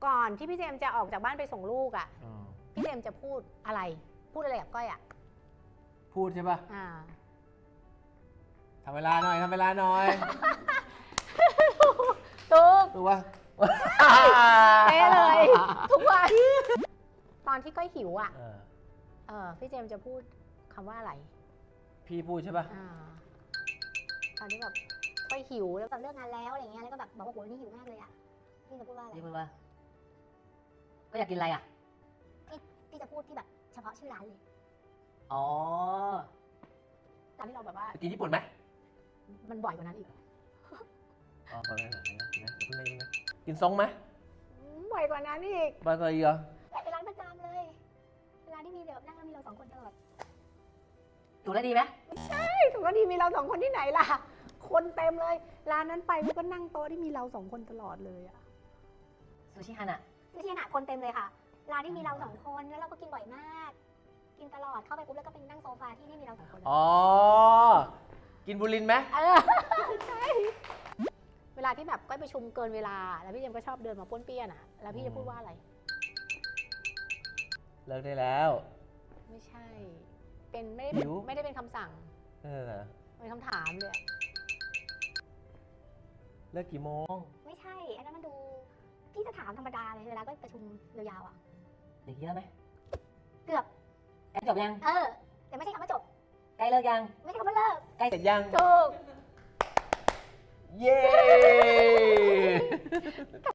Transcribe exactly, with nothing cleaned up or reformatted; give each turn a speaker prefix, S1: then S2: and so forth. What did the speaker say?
S1: ก่อนที่พี่เจมส์จะออกจากบ้านไปส่งลูกอ่ะ
S2: อ๋อ
S1: พี่เจมส์จะพูดอะไร พูดอะไรกับก้อยอ่ะ
S2: พูดใช่ป่ะ
S1: อ่า
S2: ทำเวลาหน่อยทำเวลาหน่อย
S1: ถูก
S2: ถูกป่ะ
S1: เป๊ะเลย ทุกวัน ตอนที่ก้อยหิวอ่ะ
S2: เออ
S1: เออพี่เจมส์จะพูดคำว่าอะไร
S2: พี่พูดใช่ป่ะ
S1: อ่า ตอนที่แบบก้อยหิวแล้วแบบเลิกงานแล้วอะไรเงี้ย แล้วก็แบบบอกว่าโหนี่หิวมากเลยอ่ะ พี่จะพูดว่าอะไร
S3: พี่พูดว่า ก็อยากกินอะไรอ่ะ
S1: พี่จะพูดที่แบบเฉพาะชื่อร้านเลย
S3: อ๋อ
S1: ตอนที่เราแบบว่า
S2: ไปกินญี่ปุ่นไหม
S1: มันบ่อยกว่านั้นอีก
S2: อ๋อไปไหนไหนนะนะเพิ่งได้ยินนะกินซงไหม
S1: บ่อยกว่านั้นอีก
S2: บ้านก็อีกเหรอ
S1: เป็นร้านประจำเลย เวลาที่มีแบบนั่งแล้วมีเราสองคนตลอด
S3: ถูกแล้วดีไหม
S1: ถูกแล้วดีมีเราสองคนที่ไหนล่ะ คนเต็มเลย ร้านนั้นไปมันก็นั่งโต๊ะที่มีเราสองคนตลอดเลยอะ
S3: ซูชิฮันอะ
S1: ไม่ใช่ขนาดคนเต็มเลยค่ะ ร้านที่มีเราสองคนแล้วเราก็กินบ่อยมาก กินตลอด เข้าไปปุ๊บแล้วก็เป็นนั่งโซฟาที่นี่มีเราสองคนเลย
S2: อ๋อ กินบุรินทร์ไหม
S1: เออ ใช่ เวลาที่แบบก้อยประชุมเกินเวลา แล้วพี่เจมส์ก็ชอบเดินมาป้วนเปี้ยนอะแล้วพี่จะพูดว่าอะไร
S2: เลิกได้แล้ว
S1: ไม่ใช่ เป็นไม่ได้เป็น
S2: หิว
S1: ไม่ได้เป็นคำสั่ง
S2: เออ
S1: เป็นคำถามเลยอะ
S2: เลิกกี่โมง
S1: ไม่ใช่ อันนั้นมันดู พี่จะถามธรรมดาเลย เวลาก็ประชุมยาวๆอะ
S3: อย่างนี้แล้วไหม
S1: เกือบ
S3: ใกล้จบยัง
S1: เออ แต่ไม่ใช่คำว่าจบ
S3: ใกล้เลิกยัง
S1: ไม่ใช่คำว่าเลิก
S3: ใกล้
S2: เสร็จยัง
S1: ถูก
S2: เย้